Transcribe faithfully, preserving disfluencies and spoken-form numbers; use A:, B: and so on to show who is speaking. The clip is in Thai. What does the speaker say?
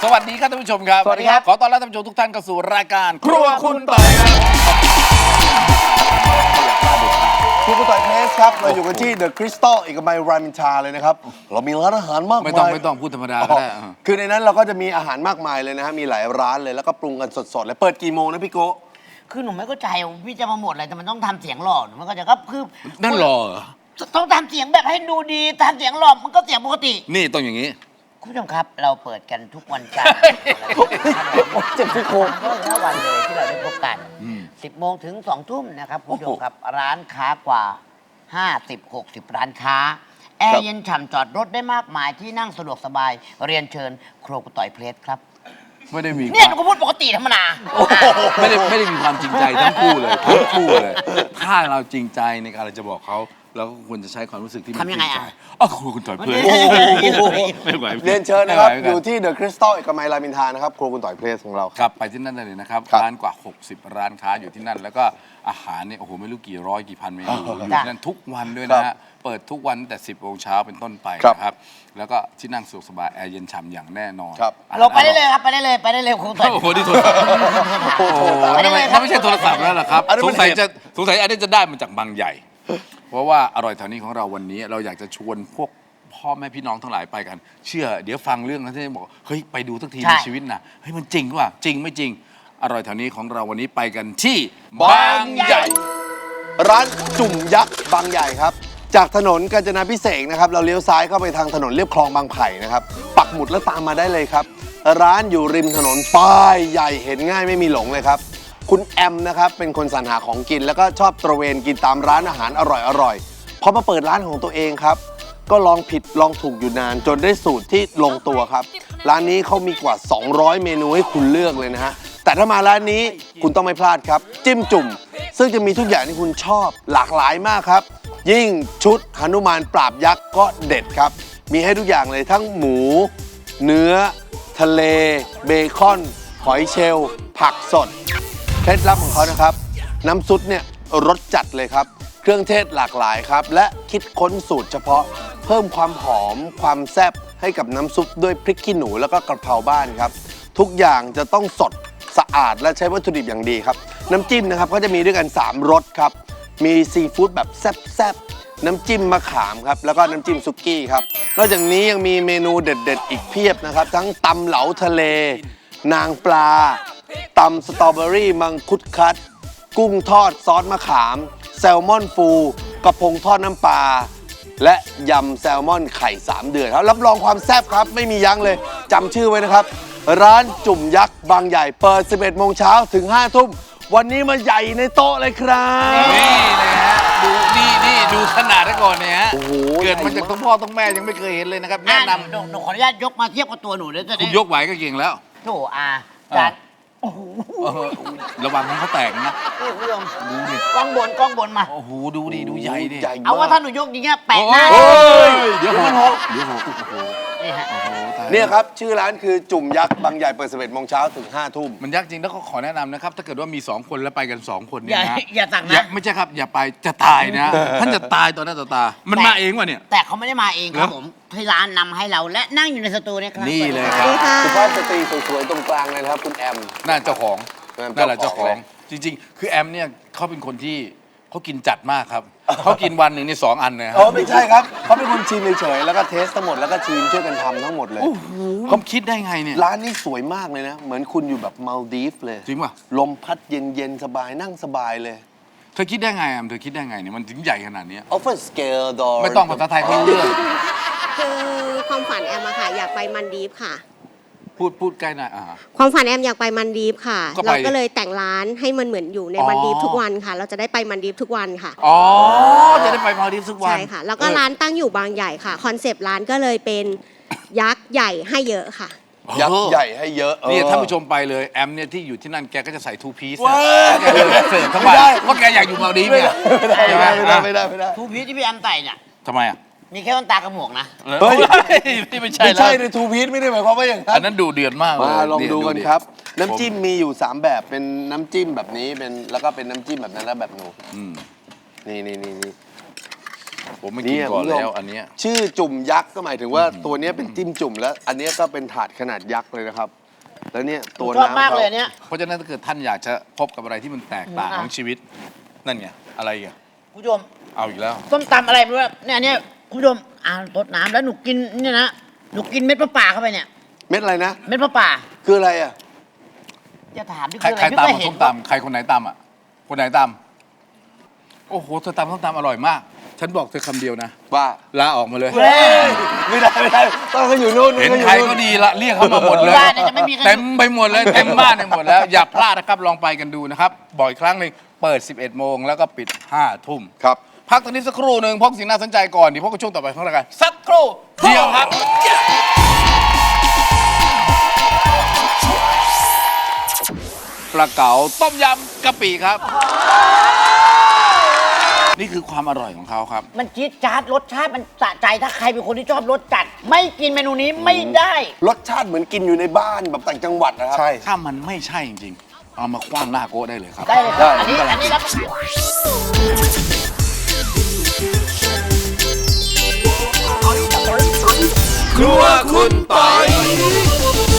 A: สวัสดีครับท่านผู้ชมครับ
B: สวัสดีครับ
A: ขอต้อนรับท่านผู้ชมทุกท่านเข้าสู่รายการครัวคุณต่อยครับ
B: ครัวคุณต่อยเพลสครับเราอยู่กันที่เดอะคริสตัลเอกมัยรามอินทราเลยนะครับเรามีร้านอาหารมากมาย
A: ไม่ต้องไม่ต้องพูดธรรมดาก็ได้
B: คือในนั้นเราก็จะมีอาหารมากมายเลยนะฮะมีหลายร้านเลยแล้วก็ปรุงกันสดๆเลยเปิดกี่โมงนะพี่โก
C: คือหนูไม่เข้าใจพี่จะมาหมดอะไรแต่มันต้องทำเสียงหล่อหนูไม่เข้าใจก็คือ
A: นั่นหรอเหรอ
C: ต้องทำเสียงแบบให้ดูดีทำเสียงหล่อมันก็เสียงปกติ
A: นี่ต้องอย่างนี้
C: คุณผู้ชมครับเราเปิดกันทุกวันจันทร์
B: เจ็บที่โค
C: ก็ห้าวันเลยที่เราได้พบกันสิบโมงถึงสองทุ่มนะครับคุณผู้ชมครับร้านค้ากว่าห้าสิบ หกสิบร้านค้าแอร์เย็นฉ่ำจอดรถได้มากมายที่นั่งสะดวกสบายเรียนเชิญครัวคุณต่อยเพลสครับ
A: ไม่ได้มี
C: เนี่ยหนูก็พูดปกติธรรมดา
A: ไม่ได้ไม่ได้มีความจริงใจทั้งคู่เลยทั้งคู่เลย ถ้าเราจริงใจในการเราจะบอกเขาเราก็ควรจะใช้ความรู้สึกที่มันจริงใจอ๋อครัวคุณต่อยเพลสไม่ไหว
B: เรียนเชิญนะครับ
A: ไม่ไหว
B: อยู่ที่เดอะคริสตัลเอกมัยรามอินทรานะครับครัวคุณต่อยเพลสของเรา
A: ครับไปที่นั่นได้เลยนะครับ
B: ครับ
A: ร้านกว่าหกสิบร้านค้าอยู่ที่นั่นแล้วก็อาหารเนี่ยโอ้โหไม่รู้กี่ร้อยกี่พันเมนูอยู่ที่นั่นทุกวันด้วยนะฮะเปิดทุกวันตั้งแต่สิบโมงเช้าเป็นต้นไปนะครับแล้วก็ที่นั่งสะดวกสบายแอร์เย็นฉ่ำอย่างแน่นอน
B: ครับ
C: เราไปได้เลยครับไปได้เลยไปได้เลยครัวคุณต่อย
A: โอ้โหนี่โทรศัพท์โอ้โหนั่นไม่ใช่โทรศัพท์แล้วล่ะครับ
B: อันนั้น
A: ส
B: มัน
A: งสัยจะสงสัยอันนี้จะได้มาจากบางใหญ่ เพราะว่าอร่อยแถวนี้ของเราวันนี้เราอยากจะชวนพวกพ่อแม่พี่น้องทั้งหลายไปกัน เชื่อเดี๋ยวฟังเรื่องนั้นที่บอกเฮ้ยไปดูสักทีในชีวิตนะเฮ้ยมันจริงว่าจริงไม่จริง อร่อยแถวนี้ของเราวันนี้ไปกันที่บางใหญ่
B: ร้านจุ่มยักษ์บางใหญ่ครับจากถนนกาญจนาพิเศษกนะครับเราเลี้ยวซ้ายเข้าไปทางถนนเลียบคลองบางไผ่นะครับปักหมุดแล้วตามมาได้เลยครับร้านอยู่ริมถนนป้ายใหญ่เห็นง่ายไม่มีหลงเลยครับคุณแอมนะครับเป็นคนสรรหาของกินแล้วก็ชอบตระเวนกินตามร้านอาหารอร่อยๆพอมาเปิดร้านของตัวเองครับก็ลองผิดลองถูกอยู่นานจนได้สูตรที่ลงตัวครับร้านนี้เขามีกว่าสองร้อยเมนูให้คุณเลือกเลยนะฮะแต่ถ้ามาร้านนี้คุณต้องไม่พลาดครับจิ้มจุ่มซึ่งจะมีทุกอย่างที่คุณชอบหลากหลายมากครับยิ่งชุดหนุมานปราบยักษ์ก็เด็ดครับมีให้ทุกอย่างเลยทั้งหมูเนื้อทะเลเบคอนหอยเชลล์ผักสดเคล็ดลับของเขานะครับน้ำซุปเนี่ยรสจัดเลยครับเครื่องเทศหลากหลายครับและคิดค้นสูตรเฉพาะเพิ่มความหอมความแซ่บให้กับน้ำซุปด้วยพริกขี้หนูแล้วก็กระเพราบ้านครับทุกอย่างจะต้องสดสะอาดและใช้วัตถุดิบอย่างดีครับน้ำจิ้มนะครับก็จะมีด้วยกันสามรสครับมีซีฟู้ดแบบแซ่บๆน้ำจิ้มมะขามครับแล้วก็น้ำจิ้มซุกี้ครับนอกจากนี้ยังมีเมนูเด็ดๆอีกเพียบนะครับทั้งตำเหลาทะเลนางปลาตำสตรอเบอรี่มังคุดคัดกุ้งทอดซอสมะขามแซลมอนฟูกระพงทอดน้ำปลาและยำแซลมอนไข่สามเดือนครับรับรองความแซ่บครับไม่มียั้งเลยจำชื่อไว้นะครับร้านจุ่มยักษ์บางใหญ่เปิดสิบเอ็ดโมงเช้าถึงห้าทุ่มวันนี้มาใหญ่ในโต๊ะเลยครับ
A: นี่นะฮะดูนี่นี่ดูขนาดได้ก่อนเนี่ยฮะ
B: โอ้โห
A: เกิดมาจากทั้งพ่อทั้งแม่ยังไม่เคยเห็นเลยนะครับ
C: แนะ
A: แนะน
C: นำหนูขออนุญาตยกมาเทียบกับตัวหนูเลยจะ
A: ำ
C: ได้
A: คุณยกไหวก็เก่งแล้ว
C: โถอา
A: อ่า
C: จาน
A: เออระวังให้เขาแตกนะ
C: นี่คุณผู้ชม
A: ดูดิ
C: กล้องบนกล้องบนมา
A: โอ้โหดูดิดูใหญ่ดิ
B: ใหญ่
C: เอาว่าถ้าหนูยกอย่างเงี้ยแปะหน้า
A: โอ้ยเดี๋ยวหกเดี๋ยวหกโอ้โห
C: นี่ฮะ
A: โอ้โหตายแล้ว
B: เนี่ยครับชื่อร้านคือจุ่มยักษ์บางใหญ่เปิดสิบเอ็ดโมงเช้าถึงห้าทุ่ม
A: มันยากจริงแล้วก็ขอแนะนำนะครับ ถ้าเกิดว่ามีสองคนแล้วไปกันสองคน
C: อ
A: เนี่ย
C: ย่า
A: นะ
C: อย่าสั่ง
A: อย่า
C: นะ
A: ไม่ใช่ครับอย่าไปจะตายนะท่านจะตายต่อหน้าต่อตา มันมาเองวะเนี่ย
C: แต่เขาไม่ได้มาเองครับ
A: เหรอ
C: ผมที่ร้านนำให้เราและนั่งอยู่ในสตูเนี่ยครับ
A: นี่เลยครับ
B: สุภาพสตรีสวยๆตรงกลางเลยนะครับคุณแอม
A: น่าเจ้าของ
B: เออ
A: นั่นแหละเจ้าของ
B: เจ้าของ
A: จริง ๆ คือแอมเนี่ยเขาเป็นคนที่เขากินจัดมากครับเขากินวันหนึ่งนี่สองอันเลยค
B: อ๋
A: รั
B: อบ ไม่ใช่ครับเขาเป็นคนชิมเฉยๆแล้วก็เทสทั้งหมดแล้วก็ชิมช่วยกันทำทั้งหมดเลย
A: เขาคิดได้ไงเนี่ย
B: ร้านนี้สวยมากเลยนะ เหมือนคุณอยู่แบบมาลดีฟเลย
A: จริงป่ะ
B: ลมพัดเย็นๆ สบายนั่งสบายเลย
A: เธอคิดได้ไงแอมเธอคิดได้ไงเนี่ยมันถึงใหญ่ขนาดเนี้ย
B: Offer scale door
A: ไม่ต้องภาษาไทยเขารู้เรื่อง
D: คือความฝันแอมอะค่ะอยากไปมันดีฟค่ะ
A: พูดพูดใกล้หน่อยอ่า
D: ความฝันแอมอยากไปมันดีฟค่ะ
A: ก็ไป
D: เราก็เลยแต่งร้านให้มันเหมือนอยู่ใน
A: อ๋อ
D: มันดีฟทุกวันค่ะ เราจะได้ไปมันดีฟทุกวันค่ะ
A: อ๋อจะได้ไปมาดิฟทุกวัน
D: ใช่ค่ะ แล้วก็ร้านตั้งอยู่บางใหญ่ค่ะคอนเซปต์ร้านก็เลยเป็นยักษ์ใหญ่ให้เยอะค่ะ
B: ยักษ์ใหญ่ให้เยอะ
A: นี่
B: ออ
A: ท่านผู้ชมไปเลยแอมเนี่ยที่อยู่ที่นั่นแกก็จะใส่ทูพีซ
B: ว้าย
A: แกจะเสิร์ฟทั้ง
B: ไม่
A: วัน
B: ได้
A: เพราะแกอยากอยู่มาดิฟเนี่ย
B: ไม่ได้ไม่ได้ไม่ได้ไม่ได้
C: ทูพีชที่พี่แอมใส่เนี่ย
A: ทำไมอ่ะ
C: มีแค่ต้นตากระหมวกนะ
B: เฮ้ย
A: นี่ไม่ใช่
B: ไม่
A: แล้ว
B: ใช่ในทูพีทไม่ได้หมายความว่าอย่างนั้
A: อัน
B: น
A: นั้นดูเดือดมากเลย
B: มาลอง
A: เย
B: ดูกัน
A: ดิ
B: ครับ น้ำจิ้มมีอยู่ สาม แบบเป็นน้ำจิ้มแบบนี้เป็นแล้วก็เป็นน้ำจิ้มแบบนั้นแล้วแบบหนู
A: อืม
B: นี่นี่นี่นี่
A: ผมไม่กินก่อนแล้วอันเนี้ย
B: ชื่อจุ่มยักษ์ก็หมายถึงว่าตัวเนี้ยเป็นจิ้มจุ่มแล้ว อันเนี้ยก็เป็นถาดขนาดยักษ์เลยนะครับ แล้วเนี่ยตัว
C: ชอบ
B: น้ำ
C: มาก
B: เขา
C: เลยอันเนี้ย
A: เพราะฉะนั้นถ้าเกิดท่านอยากจะพบกับอะไรที่มันแตกต่าง
C: อืม
A: ของชีวิต นั่นไงอะไรอ่ะ
C: คุณผู้ชม
A: เอาอีกแล้ว
C: ส้มตำอะไรไม่รู้อะเนี่ยเนี่ยคุณผู้ชมอ่านรดน้ำแล้วหนูกินเนี่ยนะหนูกินเม็ดมะป่าเข้าไปเนี่ย
B: เม็ดอะไรนะ
C: เม็ดมะป่า
B: คืออะไรอ่ะ
C: จะถามที่
A: ใคร
C: คืออะ
A: ใคร
C: ไรพี่
A: ตาม
C: ก็
A: มา
C: เห็
A: ส้
C: น
A: มตำใครคนไหนตำอ่ะคนไหนตำโอ้โหเธอตำส้มตำอร่อยมาก ฉันบอกเธอคำเดียวนะ
B: ว่า
A: ลาออกมาเลย
C: เฮ้ย
B: ไม่ได้ไม่ได้ต้องเขาอยู่นู่น
A: เห็น
B: ขาอยู่
A: ใครก็ดีละเรียกเขามาหมดเลย
C: บ้านเนี่ยจะไม่มีใครอยู่
A: เต็มไปหมดเลยเต็มบ้านไปหมดแล้ว อย่าพลาดนะครับลองไปกันดูนะครับบ่อยครั้งหนึ่งเปิด สิบเอ็ดโมงแล้วก็ปิดห้าทุ่ม
B: ครับ
A: พักตรงนี้สักครู่หนึ่งพบสิ่งน่าสนใจก่อนเดี๋ยวพบกับช่วงต่อไปของรายการสักครู่เดียวครับ ปลาเก๋าต้มยำกะปิครับ นี่คือความอร่อยของเขาครับ
C: มันจี๊ดจ๊าดรสชาติมันสะใจถ้าใครเป็นคนที่ชอบรสจัด ไม่กินเมนูนี้ไม่ได้
B: รสชาติเหมือนกินอยู่ในบ้านแบบต่างจังหวัดนะครับ
A: ใช่ ถ้ามันไม่ใช่จริงๆ เอามาคว้างหน้าโก้ได้เลยครับ
C: ได้เลยครับอันนี้อันนี้รับประกัน
A: ครัวคุณปอย